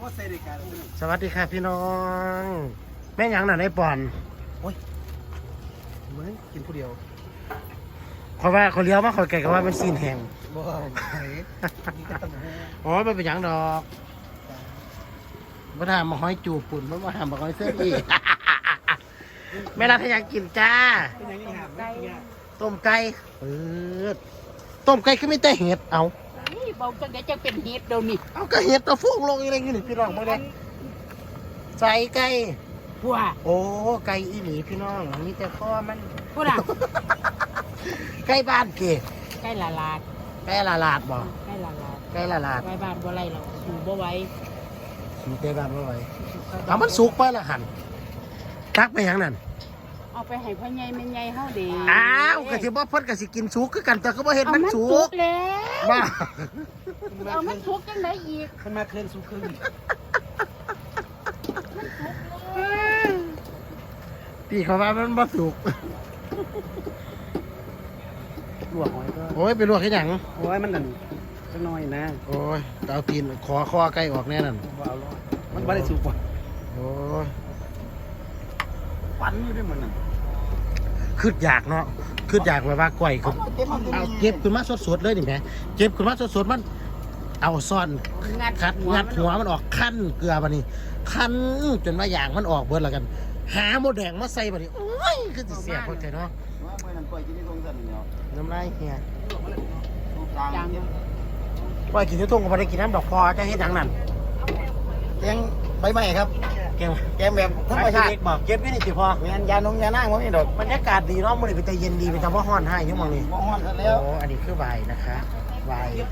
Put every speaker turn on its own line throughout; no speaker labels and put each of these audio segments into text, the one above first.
สวัสดีค่ะพี่น้อง แม่ยังหน่ะในป่อนโอ้ยเหมือนกินผู้เดียวเพราะว่าคนเลี้ยวมาคนไก่ก็ว่ามันซีนแห้งบ่ไหนอ๋อมันเป็นอย่างดอกมาทำมาห้อยจูบปุ่นมาทำมาห้อยเสื้ออีกแม่รัฐอยากกินจ้าต้มไก่ต้มไก่ก็ไม่แต่เห็ดเอา
เบาจังได้จะเป็นเห็ดเดี๋ยวนี้
เอาก็เห็ดเอาฟุ้งลงอะไรอย่างนี้พี่น้องมาเลยใส่ไก่
ผัว
โอ้ไก่อีหลีพี่น้องมีแต่ข้อมัน
ผัวน่ะ
ไก่บ้านเก๋
ไก่ละลาด
ไก่ละลาดบ่
ไก่ละลาด
ไก่ละลาด
ไก่บ้านบ่ไรเราอยู่บ่ไหว
อยู่ไก่บ้านบ่ไหวเอามันสุกไปละหันตักไปอย่างนั้น
เอาไปให้พ่อใหญ่แม่ใหญ่เฮาเด้
อ้าวก็สิบ่เพิ่นก็สิกินสุกคือกันแต่ก็บ่เห็นมันสุก
แล้ว
บ้า
เอามันสุกจังได๋อีก
มันมาเคลื่อนสุกครึ่งพี่เขาว่ามันบ่สุก
ลวกหอยก็
โอ้ยไปลวกให้หยัง
โอ้ยมันนั่นจังน้อยนะ
โอ้ยเอาตีนคอไก่ออกแน่นั่น
บ่เอามันบ่ได้สุกว่ะ
โอ้ย
ฟันอยู่ด้วยมันนั่น
คืดอยากเนาะคืดอยากแบบว่าก่อยคือเอาเก็บขึ้นมาสดๆเลยนี่แหมเก็บขึ้นมาสดๆมันเอาซ่อนงัดหัวมันออกคั่นเกลือบัดนี้คั่นจนว่าอย่างมันออกเบิดแล้วกันหาหมดแดงมาใส่บัดนี้โอ้ยคือสิเสียพวกเธอเนาะน้ำลายเฮียก่อยกินที่ทุ่งก็บ่ได้กินน้ำดอกพอจะเฮ็ดหยังนั่น
แกงใบไม้ครับ
แกง
แบบธรรมชาติ
บอกเก็บไว้นี่สิพอ
แม่นยานงยานั่งบ่มีดอก
บรรยากาศดีเนาะมื้อนี้เป็นใจเย็นดีเป็นตาบ่ฮ้อนให้อยู่หม่องนี้
บ่ฮ้อนแล้ว
โอ้อันนี้คือไวน์นะคะไวน์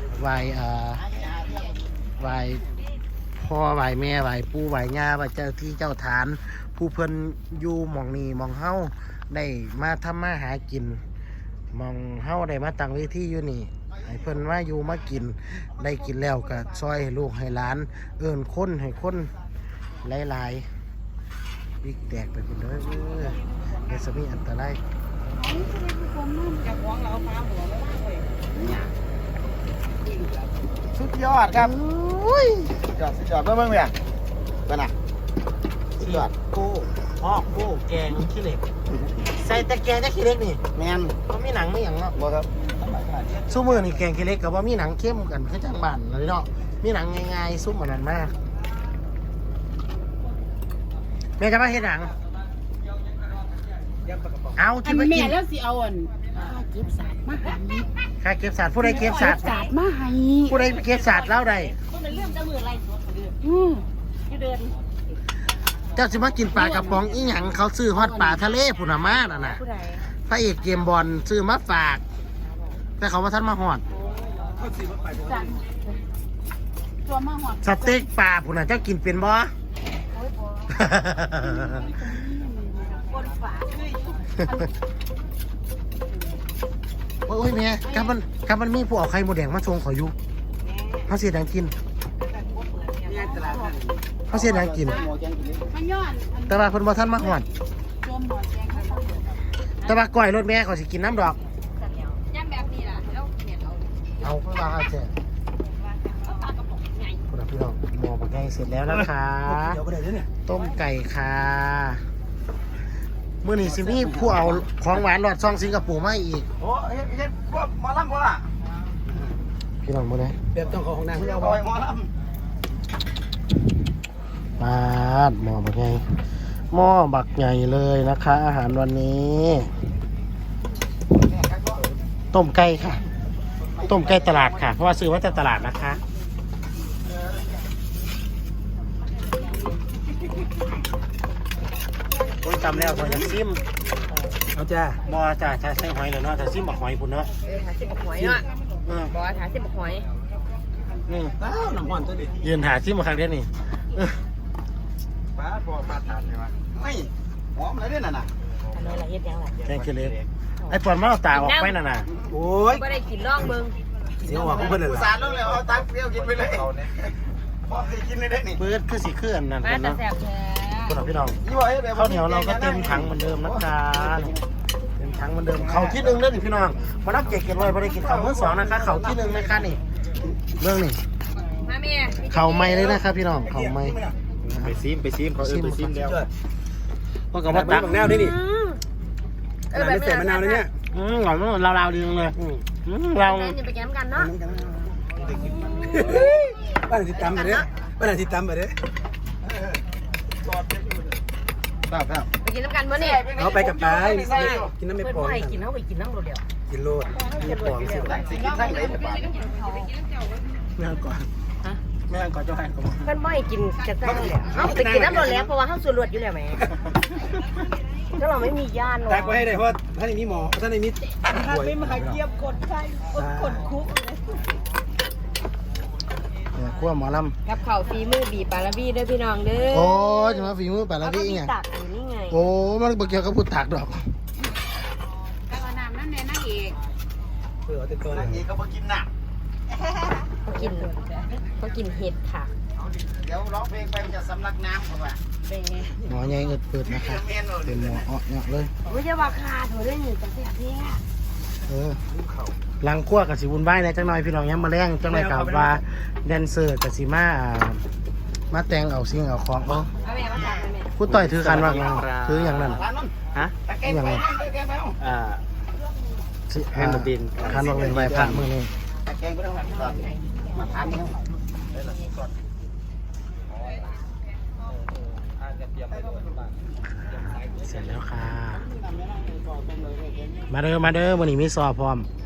พ่อไวน์แม่ไวน์ปู่ไวน์ย่าไวน์เจ้าที่เจ้าฐานผู้เพิ่นอยู่หม่องนี้หม่องเฮาได้มาทำมาหากินหม่องเฮาได้มาตั้งเวทีอยู่นี่ให้เพิ่นว่าอยู่มากินได้กินแล้วก็ซอยให้ลูกให้หลานเอิ้นคนให้คนหลายๆวิกแตกไปเป็นเด้อเดี๋ยวจะมีอันตราย
สุดยอดครับสุดยอดเบิ่งเนี่ยเบิ่งน่ะสุดยอด
โก้แกงขี้เหล็กใส่แต่แกงแต่ขี้เหล็กนี่
แม่น
บ่มีหนังมีหยังเนาะ
บ่ครับ
ซุมื้อนี่แกงขี้เหล็กก็บ่มีหนังเข้มกันคือจังบ้านเลยเนาะมีหนังง่ายๆซุ่มอันนั้นมาแม่จะมาเฮ็ดหนังเอา
อันแม่แล้วสิเอาอันเก็บศาสตร์มาให้
ค่าเก็บศาสตร์ผู้ใดเก็บศาสตร์
มาให้
ผู้ใดเก็บศาสตร์แล้วใด
ก็เป็นเรื่องจะมืออะไรอยู่เดิน
เจ้าสิมากินปลากระป๋องอีหยังเขาซื้อฮอดปลาทะเลพุ่นน่ะมานั่นน่ะพระเอกเกมบอลซื้อมาฝากแต่เขาว่าท่านมาฮอด
ตัวมาฮอด
สเต็กปลาพุ่นน่ะเจ้ากินเป็นบ่โอ้ยแม่กับมันมีผู้เอาไข่หมูแดงมาชงขออยู่เขาเสียดังกินเขาเสียดังกินแต่ว่าเพิ่นบ่ทันมาฮอดแต่ว่าก้อยรถแม่เขาสิกินน้ำดอก
ย่ำแบบนี้ล่ะแล้วเห็ด
เอาเพิ่นว่าเอาแท้คุณพี่น้องหม้อบักไก่เสร็จแล้วนะคะต้มไก่ค่ะมื้อนี้สิมีผู้เอาของหวานรอดซองสิงคโปร์มาอีก
โอ้เฮ็ดพวกหมอลำบ่ล่ะ
พี่น้องมื้อนี้
แบบต้องของนางเพิ่นเอาบ่หมอลำ
ปาดหม้อบักใหญ่หม้อบักใหญ่เลยนะคะอาหารวันนี้ต้มไก่ค่ะต้มไก่ตลาดค่ะเพราะว่าซื้อมาจากตลาดนะคะคุณจำแล้วหอยน้ำซิม
เอาจ้า
บ่จ้าใส่หอยเลยเนาะแต่ซิมบักหอยพุ่นเนาะ
หาซิมบักหอยเนาะบ่หาซิมบักหอย
นี่
อ้าวน้ำมันตัวดิ
ยืนหาซิมมาครั้งเดียวนี่
ป้าพอมาทานเลยวะไม่หอมอะไรเนี่ยน่ะ
อันนี้ละเฮ็ดยังล่ะ
แกงขี้เหล็กไอ้ปอนมาเอาตาออกไปน่ะนะ
โอ้ย
บ่ได้กินร่องเบิ่ง
เสียวหัวกูเพิ่นเลยล่ะสารลงแล้วเอาตักเปรี้ยวกินไปเลยพอสิกินได้นี่
เปิดคือสิเคลื่อนนั่นกันเนาะพี่น้องข้าวเหนียวเราก็เต็มถังเหมือนเดิมนะคะเต็มถังเหมือนเดิมเขาที่1เด้อนี่พี่น้องมารับเก็บไว้บ่ได้กินข้าวมื้อ2นะคะเขาที่1นะคะนี่เรื่องนี่
มาแม่
เขาไม่เลยนะครับพี่น้องเขาไม่
ไปซิมเขาไปซิมแล้ว
เพราะกับว่าตัก
แนวนี่นี่
แบบใส่มะนาวเลยเนี่ย
หน่อยมันเราดีจังเลยเรา
อย่าไปแก้มกันเนาะ
บ้านที่ตำไปเด้อบ้านที่ตำไปเด้อ
ครับ
ไปกินน้ำกันมื้อนี่
เอาไปกับไปกินน้ำไม่
เพื่อน
พอ
บ่ให้กินเอาไปกินน้ำเราเดียว
กินโลดไม่พอสิ
สิกินทั้งไหนแต่ปาก
แม่ก่อนแม่ก่อนจะให้ผม
เพื่อนบ่ให้กินกระตั้งแล้วเอาไปกินน้ำเราแล้วเพราะว่าเฮาสูรวดอยู่แล้วแหมถ้าเราไม่มีญาติ
แตกไว้ให้ได้เพราะท่านมีหมอท่านมีป่วย
เนี่ยขั้วหมอล
กับข้าวฝีมือบีปลาละบี้ด้วยพี่น้องเด้อ
ำโอ้ยจะมาฝีมือแปดละพี่ไง
ตักอยู่นี่ไง
โอ้มันเกี่ยวกับพูดถักดอก
แต่ว่าน้ำนั่นแน่นั่งเอก
เผื่อติดตัว
นางเอกก็มากินหนัก
เขากินเห็ดค่ะ
เดี๋ยวร้องเพลงไปจะสำลักน้ำเขาว่า
เป็นไง
หมอใหญ่เปิดนะครับเป็นหมออ้อเนี่ยเลย
ไม่ใช่ว่าขาดหัวด้วยหนึ่งแต่เสียเพี้ย
หลังขั้วกับสิวุ่นวายในจังหน่อยพี่น้องยังมาแรงจังหน่อยกับว่าแดนเซอร์กับสิมาแต่งเอาสิ่งเอาของเอา
เอาแม่มาตักแม่
ผู้ต่อยถือคันว่าไงถืออย่างนั้น
ร้านนั้น
ฮะ
อย่างไร
แกงไปเอา
แฮนด์บิน
คันว่าเป็นใบพัดมือนี่
แกงไปเอามาทานเนี่ย
เสร็จแล้วค่ะมาเด้อวันนี้มีสอบพร้อม